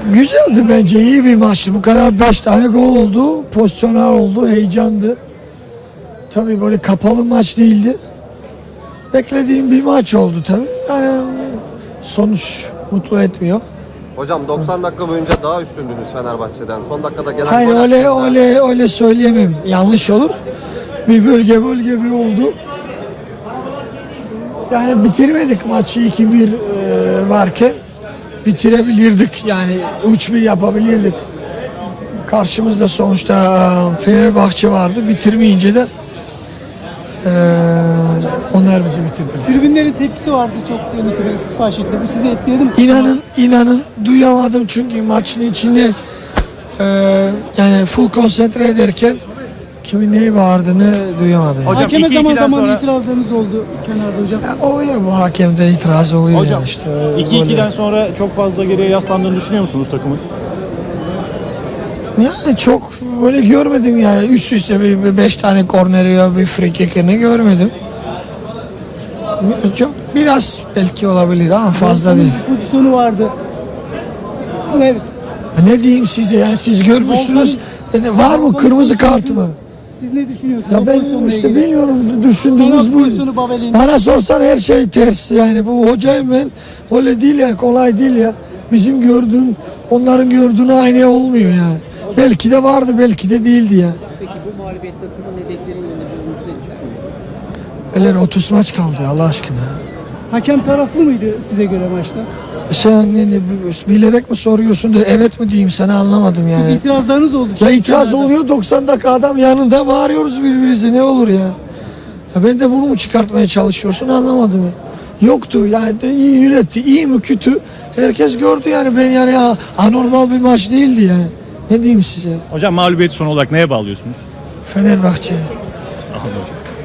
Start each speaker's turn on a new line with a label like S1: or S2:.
S1: Güzeldi bence, iyi bir maçtı. Bu kadar 5 tane gol oldu, pozisyonlar oldu, heyecandı. Tabii böyle kapalı maç değildi. Beklediğim bir maç oldu tabii. Yani sonuç mutlu etmiyor.
S2: Hocam 90 dakika boyunca daha üstündünüz Fenerbahçe'den. Son dakikada gelen
S1: Hayır,
S2: gol hakkında-
S1: öyle söyleyemem. Yanlış olur. Bir bölge bir oldu. Yani bitirmedik maçı 2-1 varken bitirebilirdik. Yani 3-1 yapabilirdik. Karşımızda sonuçta Fenerbahçe vardı. Bitirmeyince de onlar bizi bitirdi.
S3: Tribünlerin tepkisi vardı çok yönetime istifa şeklinde. Bu sizi etkiledi mi?
S1: İnanın duyamadım çünkü maçın içinde yani full konsantre ederken kimin neyi bağırdığını duyamadım.
S4: Hocam,
S3: Hakeme
S4: 2-2'den
S3: zaman zaman
S4: sonra-
S1: itirazlarınız
S3: itirazlarınız oldu kenarda hocam.
S1: O ya, bu hakemde itiraz oluyor
S4: Hocam
S1: ya işte.
S4: 2-2'den sonra çok fazla geriye yaslandığını düşünüyor musunuz takımın?
S1: Yani çok böyle görmedim yani, üst üste bir 5 tane korneri ya bir free kick'ini görmedim. Çok biraz belki olabilir ama fazla değil.
S3: Bir pozisyonu vardı. Evet.
S1: Ne diyeyim size, yani siz görmüşsünüz. Var mı kırmızı kartı mı?
S3: Siz ne düşünüyorsunuz?
S1: Ya
S3: o
S1: ben
S3: pozisyonla
S1: işte
S3: ilgili?
S1: bilmiyorum, düşündüğümüz
S3: Penaltı
S1: bu.
S3: pozisyonu Babel'in.
S1: Bana sorsan her şey ters yani, bu hocayım ben, öyle değil ya, kolay değil ya. Bizim gördüğüm onların gördüğüne aynı olmuyor yani. Belki de vardı, belki de değildi ya.
S5: Peki bu mağlubiyet takımın hedeflerinin önünde durmasını etkiler mi?
S1: Öyle 30 maç kaldı Allah aşkına.
S3: Hakem taraflı mıydı size göre maçta?
S1: Sen bilerek mi soruyorsun da evet mi diyeyim sana, anlamadım yani.
S3: İtirazlarınız oldu.
S1: Ya
S3: çünkü
S1: itiraz
S3: kenarda.
S1: oluyor, 90 dakika adam yanında bağırıyoruz birbirimize, ne olur ya. Ya ben de bunu mu çıkartmaya çalışıyorsun, anlamadım ya. Yoktu yani, de iyi yönetti, iyi mi kötü herkes gördü yani, ben yani anormal bir maç değildi yani. Ne diyeyim size,
S4: Hocam mağlubiyeti son olarak neye bağlıyorsunuz?
S1: Fenerbahçe.
S4: Sağ olun hocam.